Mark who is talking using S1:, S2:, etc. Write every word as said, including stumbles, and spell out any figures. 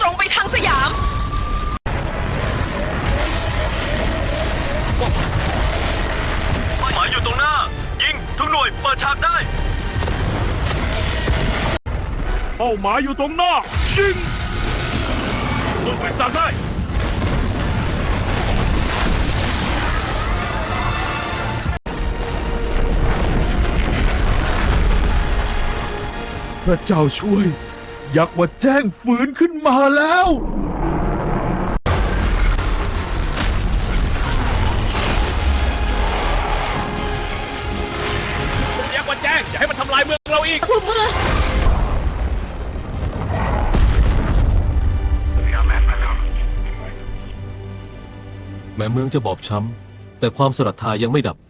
S1: รงไปทางสยาม
S2: เป้าหมายอยู่ตรงหน้ายิงทุกหน่วยเปิดฉากได้เป้าหมายอยู่ตรงหน้ายิงลงไปสั่งได้
S3: พระเจ้าช่วยยักษ์ว่าแจ้งฝืนขึ้นมาแล้ว
S2: ยักษ์ว่าแจ้งอย่าให้มันทำลายเมืองเราอีก
S1: ผู้เมื่อ
S4: แม้เมืองจะบอบช้ำแต่ความศรัทธายังไม่ดับ